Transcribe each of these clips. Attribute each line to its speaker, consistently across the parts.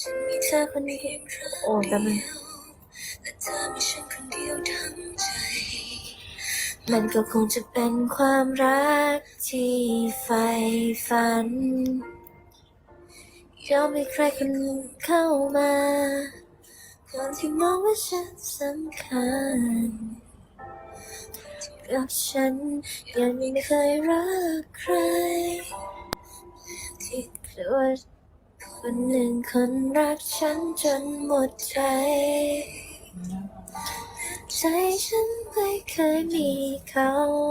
Speaker 1: เธอคนเดียวโอ้แต่มันก็คงจะเป็นความรักที่ใฝ่ฝันยอมให้ใครคนหนึ่งเข้ามาก่อนที่มองว่าฉันสำคัญกับฉันยังไม่เคยรักใครที่ว่าคนหนึ่งคนรักฉันจนหมดใจฉันไม่เคยมีเขา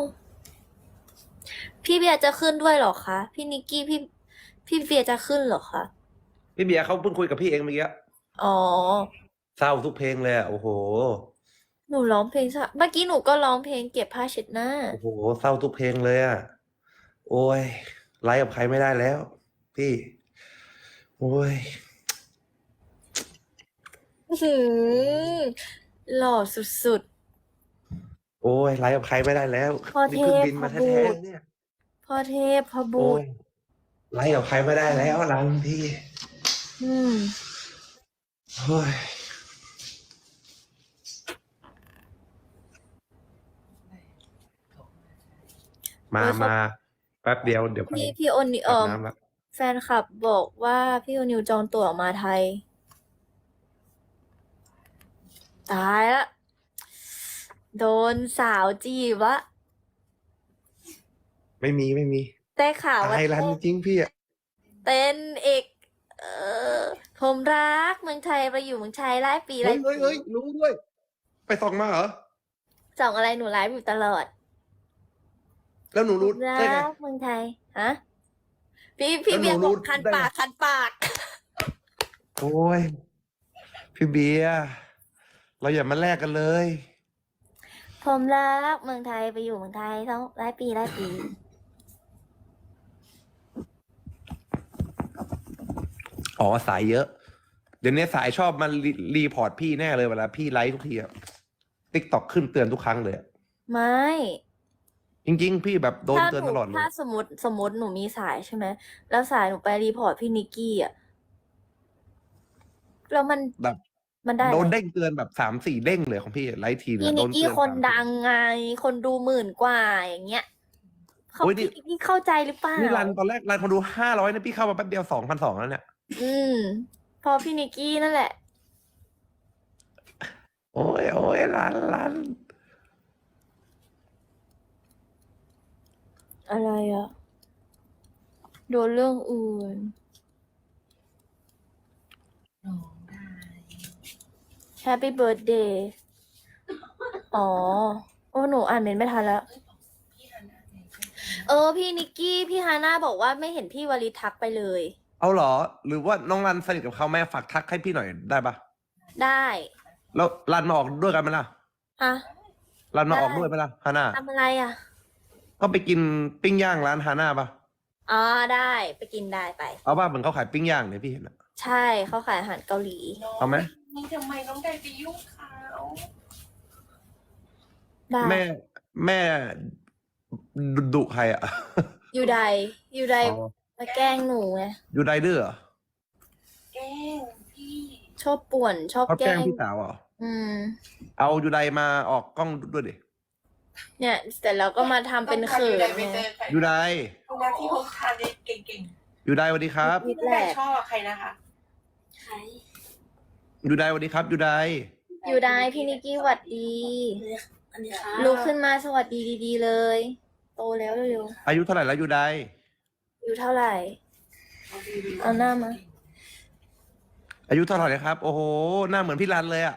Speaker 1: พี่เบียร์จะขึ้นด้วยเหรอคะพี่นิกกี้พี่เบียร์จะขึ้นเหรอคะ
Speaker 2: พี่เบียร์เขาเพิ่งคุยกับพี่เองเมื่อกี้
Speaker 1: อ๋อ
Speaker 2: เศร้าทุกเพลงเลยโอ้โห
Speaker 1: หนูร้องเพลงเมื่อกี้หนูก็ร้องเพลงเก็บผ้าเช็ดหน้า
Speaker 2: โอ้โหเศร้าทุกเพลงเลยโอ้ยไลฟ์กับใครไม่ได้แล้วพี่โอ้ย
Speaker 1: หล่อสุด
Speaker 2: โอ้ยไลฟ์กับใครไม่ได้แล้ว
Speaker 1: พ่อเท
Speaker 2: นี่เพิ่ง
Speaker 1: พ
Speaker 2: บินมา
Speaker 1: พ่อบู
Speaker 2: แท้
Speaker 1: ตร
Speaker 2: ๆเนี่ย
Speaker 1: พ่อเทพพ่อบู
Speaker 2: โอ้
Speaker 1: ต
Speaker 2: ย
Speaker 1: ร
Speaker 2: ไลฟ์กับใครไม่ได้แล้วรันพี่โอ้ยมาแป๊บเดียวเดี๋ยวไป
Speaker 1: พี่โอนิ
Speaker 2: อาบน้ำละ
Speaker 1: แฟนคลับบอกว่าพี่โอนิวจองตั๋วมาไทยตายละโดนสาวจีบวะ
Speaker 2: ไม่มี
Speaker 1: แต่ข่าวว่า
Speaker 2: ตายรันจริงพี่อะ
Speaker 1: เต้นเอกเออผมรักเมืองไทยไปอยู่เมืองไทยหลายปีหลายปี
Speaker 2: เฮ้ยรู้ด้วย ไปส่องมาเหรอ
Speaker 1: ส่องอะไรหนูไลฟ์อยู่ตลอด
Speaker 2: แล้วหนูรู้
Speaker 1: รั
Speaker 2: ได้ไง
Speaker 1: กเมืองไทยฮะพี่
Speaker 2: แล้วหนู
Speaker 1: เบียร์บ
Speaker 2: รู้
Speaker 1: อกคัน
Speaker 2: ได้ไง
Speaker 1: ปากคันปาก
Speaker 2: โอ้ยพี่เบียร์เราอย่ามาแลกกันเลย
Speaker 1: ผมรักเมืองไทยไปอยู่เมืองไทยทั้งหลายปีหลายปี
Speaker 2: อ๋อสายเยอะ เดี๋ยวนี้สายชอบมารีพอร์ตพี่แน่เลยเวลาพี่ไลฟ์ทุกทีอะติ๊กต็อกขึ้นเตือนทุกครั้งเลยอะ
Speaker 1: ไม่
Speaker 2: จริง ๆ พี่แบบโดนเตือนตลอดเลย
Speaker 1: ถ้าสมมติหนูมีสายใช่ไหมแล้วสายหนูไปรีพอร์ตพี่นิกกี้อ่ะแล้วมัน
Speaker 2: แบบ
Speaker 1: มันได้
Speaker 2: โดน
Speaker 1: อะไร
Speaker 2: เด้งเตือนแบบ3-4เด้งเลยของพี่ไลฟ์ที
Speaker 1: พี่
Speaker 2: เนี่ย
Speaker 1: นิ
Speaker 2: โด
Speaker 1: ก
Speaker 2: น
Speaker 1: กี้
Speaker 2: เตือน
Speaker 1: คน
Speaker 2: 3-4
Speaker 1: ดังไง คนดู10,000 กว่าอย่างเงี้ยเขา
Speaker 2: โอ้ยนี่
Speaker 1: พี่เข้าใจหรือเปล่า
Speaker 2: นี่รันตอนแรกรันคนดู500นะพี่เข้ามาแป๊บเดียว2,200แล้วเนี่ย
Speaker 1: พอพี่นิกกี้นั่นแหละ
Speaker 2: โอ้ยรัน
Speaker 1: อะไรอ่ะโดนเรื่องอื่นHappy birthday อ๋อ โอ้หนูอ่านเมนต์ไม่ทันแล้ว พี่นิกกี้พี่ฮาน่าบอกว่าไม่เห็นพี่วลิทักไปเลย
Speaker 2: เอาเหรอ หรือว่าน้องรันสนิทกับเขาแม่ฝากทักให้พี่หน่อยได้ปะ
Speaker 1: ได้
Speaker 2: แล้วรันมาออกด้วยกันไหมล่ะ
Speaker 1: ฮะ
Speaker 2: รันมา
Speaker 1: ได้
Speaker 2: ออกด้วยไหมล่ะฮาน่า
Speaker 1: ทำอะไรอ่ะ
Speaker 2: ก็ไปกินปิ้งย่างร้านฮาน่าปะ
Speaker 1: อ๋อได้ไปกินได้ไป
Speaker 2: เอาป่ะเหมือนเขาขายปิ้งย่างเนี่ยพี่เห็นอะ
Speaker 1: ใช่เขาขายอาหารเกาหลี
Speaker 2: เอาไหม
Speaker 3: นี่ทำไมน้องไดไปยุ่งเขา
Speaker 1: ได้
Speaker 2: แม่ดุใครอะ
Speaker 1: อยู่ใด
Speaker 2: อ๋อ
Speaker 1: มาแกล้งหนูไง
Speaker 2: อยู่ไดเดอร์เหรอ
Speaker 3: แกล้งพี่
Speaker 1: ชอบป่วนชอบ
Speaker 2: เขา
Speaker 1: แก
Speaker 2: แกล้
Speaker 1: ล้
Speaker 2: ง
Speaker 1: ง
Speaker 2: พี่สาวเหรอ เอาอยู่ไดมาออกกล้องด้วยดิ
Speaker 1: เนี่ยแต่เราก็มาทำเป็นเขิน
Speaker 3: ไป
Speaker 1: ไง
Speaker 3: เจอใคร
Speaker 2: อยู่ได
Speaker 3: คนนั้นที่เขาทานได้เก่ง
Speaker 2: อยู่ไดสวัสดีครับ
Speaker 3: ๆพี่น้องไดชอบใครนะคะ
Speaker 1: ใคร
Speaker 2: อยู่ไดสวัสดีครับอยู่ได
Speaker 1: อยู่ได้พี่นิกกี้หวัดดีลุกขึ้นมาสวัสดีดีๆเลย โตแล้วเร็ว
Speaker 2: อายุเท่าไหร่แล้วอยู่ได
Speaker 1: ๆอยู่เท่าไหร่ เอาหน้ามา
Speaker 2: อายุเท่าไหร่ครับ โอ้โหหน้าเหมือนพี่รันเลยอะ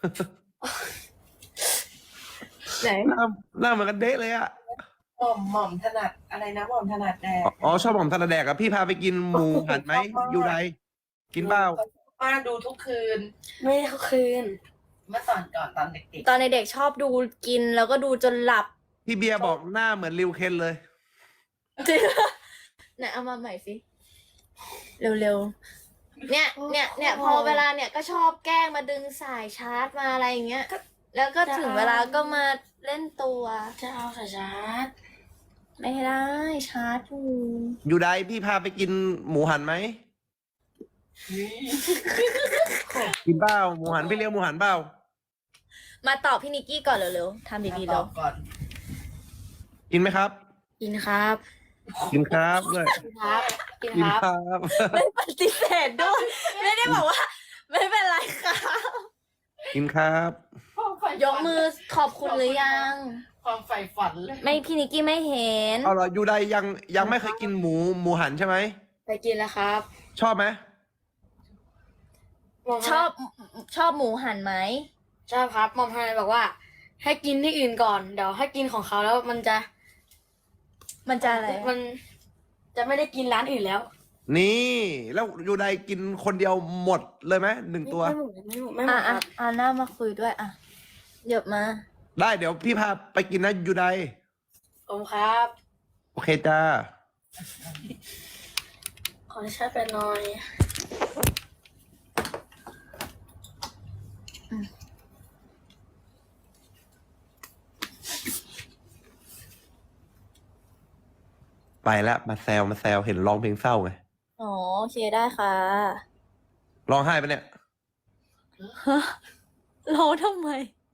Speaker 1: ไหน
Speaker 2: หน้าเหมือนกันเดะเลยอะ
Speaker 3: หม่อมถนัดอะไรนะหม่อมถนัดแดด
Speaker 2: อ๋อชอบผมทานแดกอะพี่พาไปกินหมูหันไหมอยู่ไดกินเปล่า
Speaker 3: ป้าดูทุกคืน
Speaker 1: ไม่ได้คืน
Speaker 3: เมื่อก่อนตอนเด็ก
Speaker 1: ตอนในเด็กชอบดูกินแล้วก็ดูจนหลับ
Speaker 2: พี่เบียร์บอกหน้าเหมือนริวเคนเลย
Speaker 1: ไหนเอามาใหม่สิ เร็วๆ เนี่ยพอเวลาเนี่ยก็ชอบแกล้งมาดึงสายชาร์จมาอะไรอย่างเงี้ย แล้วก็ถึงเวลาก็มาเล่นตัว
Speaker 4: จะเอาสายชาร์จ
Speaker 1: ไม่ได้ชาร์จอยู่
Speaker 2: อยู่ไดพี่พาไปกินหมูหันไหมกินเปล่าหมูหันพี่เลี้ยงหมูหันเปล่า
Speaker 1: มาตอบพี่นิกกี้ก่อนเร็วๆทำดีๆ
Speaker 3: ต
Speaker 1: แล้
Speaker 3: อ
Speaker 1: ว
Speaker 3: บก่อน
Speaker 2: กินไหมครับ
Speaker 1: กินครับ
Speaker 2: กินครับด้วย
Speaker 1: ครับกิน
Speaker 2: กิน
Speaker 1: ครับ
Speaker 2: ครับ
Speaker 1: ไม่ปฏิเสธด้วย ไม่ได้บอกว่า ไม่เป็นไรครับ
Speaker 2: กินครับ
Speaker 1: ยกมือขอบคุณหรือยัง
Speaker 3: ความใฝ่ฝันเลย
Speaker 1: ไม่พี่นิกกี้ไม่เห็น
Speaker 2: เอาเหรอยูไดยังไม่เคยกินหมูหันใช่ไหม
Speaker 4: ไปกินแล้วครับ
Speaker 2: ชอบไหม
Speaker 1: ชอบหมูหันไหม
Speaker 4: ใช่ครับหมอมทนายบอกว่า ให้กินที่อื่นก่อน เดี๋ยวให้กินของเขาแล้วมันจะ
Speaker 1: มันจะอะไร
Speaker 4: มันจะไม่ได้กินร้านอื่นแล้ว
Speaker 2: นี่แล้วยูไดกินคนเดียวหมดเลยไหม1 ตัว
Speaker 4: ไม่หมดไม่หม
Speaker 1: อ่ะ
Speaker 4: ดค
Speaker 1: อ่ะ
Speaker 4: รับ
Speaker 1: อ่ะหน้ามาคุยด้วยอ่ะเหยียบมา
Speaker 2: ได้เดี๋ยวพี่พาไปกินนะยูได
Speaker 4: ผมครับ
Speaker 2: โอเคจ้า
Speaker 4: ขอชาติเป็นหน่อย
Speaker 2: ไปแล้วมาแซวเห็นร้องเพลงเศร้าไง
Speaker 1: อ๋อโอเคได้ค่ะ
Speaker 2: ร้องไห้ปะเนี่ย
Speaker 1: ร้องทำไม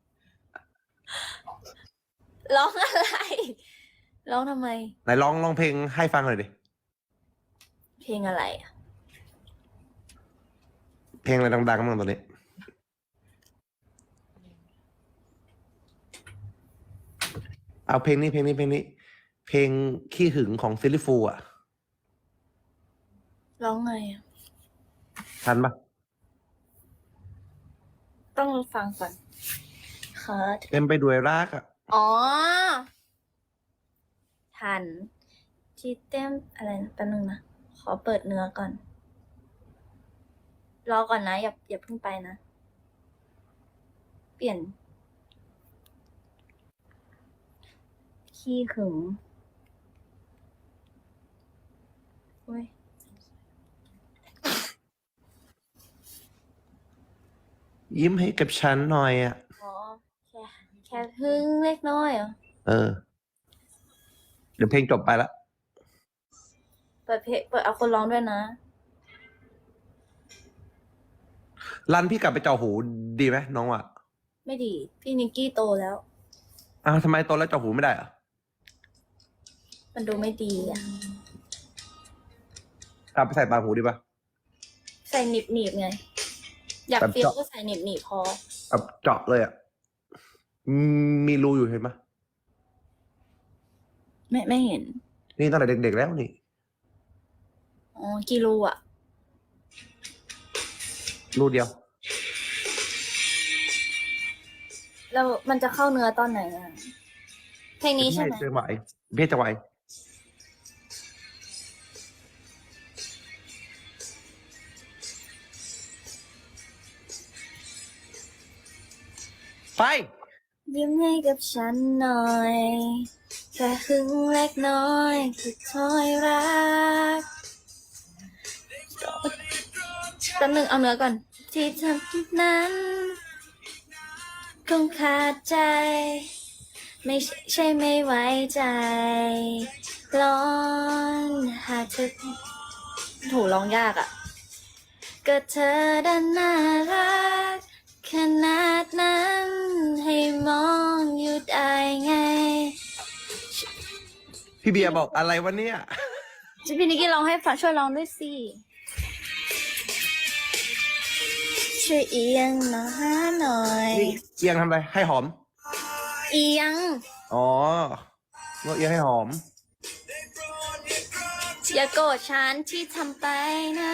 Speaker 1: ร้องอะไร ร้องทำไม
Speaker 2: ไหนร้องเพลงให้ฟังหน่อยดิ
Speaker 1: เพลงอะไรอ่ะ
Speaker 2: เพลงอะไรดังๆบ้างตอนนี้ เอาเพลงนี้เพลงขี้หึงของซิลลิฟูอ่ะ
Speaker 1: ร้องไงอ่ะ
Speaker 2: ทันปะ
Speaker 1: ต้องฟังก่อนค่ะ
Speaker 2: เต็มไปด้วยรักอ่ะ
Speaker 1: อ๋อ ทัน ที่เต็มอะไรนะแป๊บนึงนะ ขอเปิดเนื้อก่อน รอก่อนนะ อย่าเพิ่งไปนะ เปลี่ยน ขี้หึงเว้ย
Speaker 2: ยิ้มให้กับฉันหน่อยอ่ะ
Speaker 1: อ๋อ แค่หึงเล็กน้อยเหรอ
Speaker 2: เออ เดี๋ยวเพลงจบไปละ
Speaker 1: เปิดเอาคนร้องด้วยนะ
Speaker 2: รันพี่กลับไปเจาะหูดีไหมน้องอ่ะ
Speaker 1: ไม่ดี พี่นิกกี้โตแล้ว
Speaker 2: อ้าวทำไมตอนแล้วเจาะหูไม่ได้อ่ะ
Speaker 1: มันดูไม่ดีอ่ะ
Speaker 2: กลับไปใส่ปากหูดีปะ
Speaker 1: ใส่หนีบไง อยาก
Speaker 2: แบบ
Speaker 1: เฟี้ยว
Speaker 2: เจาะ
Speaker 1: ก็ใส่หนีบพอ
Speaker 2: แบบเจาะเลยอ่ะมีรูอยู่เห็นปะ
Speaker 1: ไม่เห็น
Speaker 2: นี่ตั้งแต่เด็กๆแล้วนี่
Speaker 1: อ๋อกี่รูอ่ะ
Speaker 2: รูเดียว
Speaker 1: แล้วมันจะเข้าเนื้อตอนไหนอ่ะ เพลงนี้ใช่ไหม
Speaker 2: เจอไหวเพศจะไหวไป
Speaker 1: ยิ้มให้กับฉันหน่อยแค่หึงเล็กน้อยคือถ้อยรักแป๊บนึงเอาเนื้อก่อน ที่ทำนั้นคงขาดใจ ไม่ใช่ไม่ไว้ใจร้อนหากเธอโถร้องยากอ่ะ ก็เธอดันน่ารักขนาดนั้นให้มองอยู่ได้ไง
Speaker 2: พี่เบียร์บอกอะไรวะเนี่ย
Speaker 1: จะพี่นิกกี้ร้องให้ฟังช่วยร้องด้วยสิ ช่วยเอียงมาหาหน่อย
Speaker 2: นี่เอียงทำอะไรให้หอม
Speaker 1: เอียง
Speaker 2: อ๋อว่าเอียงให้หอม
Speaker 1: อย่าโกรธฉันที่ทำไปนะ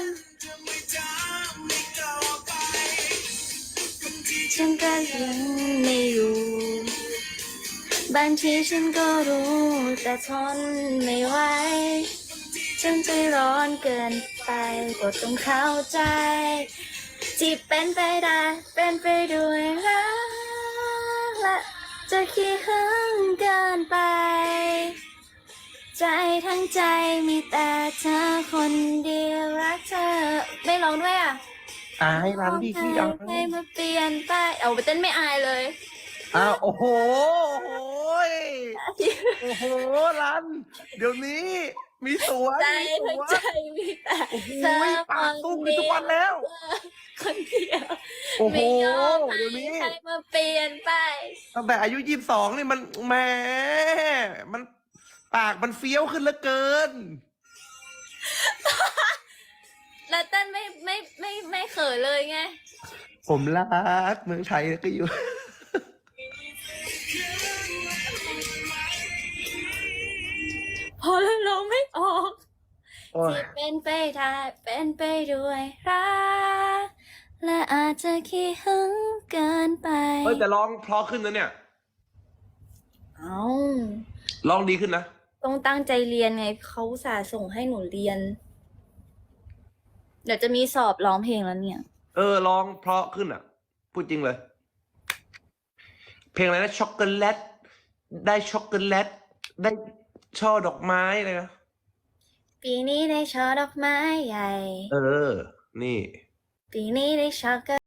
Speaker 1: ฉันก็ยังไม่อยู่บางทีฉันก็รู้แต่ทนไม่ไหวฉันใจร้อนเกินไปก็ต้องเข้าใจ ที่เป็นไปได้เป็นไปด้วยรักและจะขี้หึงเกินไป ใจทั้งใจมีแต่เธอคนเดียวรักเธอ ไม่ร้องด้วยอ่ะ
Speaker 2: อายรันพี่ขี้อาย
Speaker 1: ให้มาเปลี่ยนไปเอาไปเต้นไม่อายเลย
Speaker 2: อ้าวโอ้โหโอ้โหยโอ้โหรัน เดี๋ยวนี้ มีสวน
Speaker 1: ใจ
Speaker 2: มี
Speaker 1: ทั้ง
Speaker 2: ส
Speaker 1: ใจ
Speaker 2: วน
Speaker 1: มีแต่
Speaker 2: โอ้โห
Speaker 1: เธอ
Speaker 2: ปากสู้กันทุกวันแล้ว
Speaker 1: คนเดียว
Speaker 2: โอ้โห
Speaker 1: ไม่ยอม
Speaker 2: เดี๋ยวนี้
Speaker 1: ให้ใครมาเปลี่ยนไป
Speaker 2: ตั้งแต่อายุ22นี่มันแหมมันปากมันเฟี้ยวขึ้นเหลือเกิน
Speaker 1: แล้วเต้นไม่เขินเลยไง
Speaker 2: ผมรักเมืองไทยก็อยู่
Speaker 1: พอแล้วร้องไม่ออก
Speaker 2: โอ้ย
Speaker 1: ที่เป็นไปได้เป็นไปด้วยรักและอาจจะขี้หึงเกินไป
Speaker 2: เฮ้ยแต่ร้องเพราะขึ้นนะเนี่ย
Speaker 1: เอา
Speaker 2: ร้องดีขึ้นนะ
Speaker 1: ต้องตั้งใจเรียนไงเขาอุตส่าห์ส่งให้หนูเรียน เดี๋ยวจะมีสอบร้องเพลงแล้วเนี่ย
Speaker 2: ร้องเพราะขึ้นอ่ะ พูดจริงเลย เพลงอะไรนะช็อกโกแลต ได้ช็อกโกแลต ได้ช่อดอกไม้อะไรนะ
Speaker 1: ปีนี้ได้ช่อดอกไม้ใหญ่
Speaker 2: นี่
Speaker 1: ปีนี้ได้ช็อกโก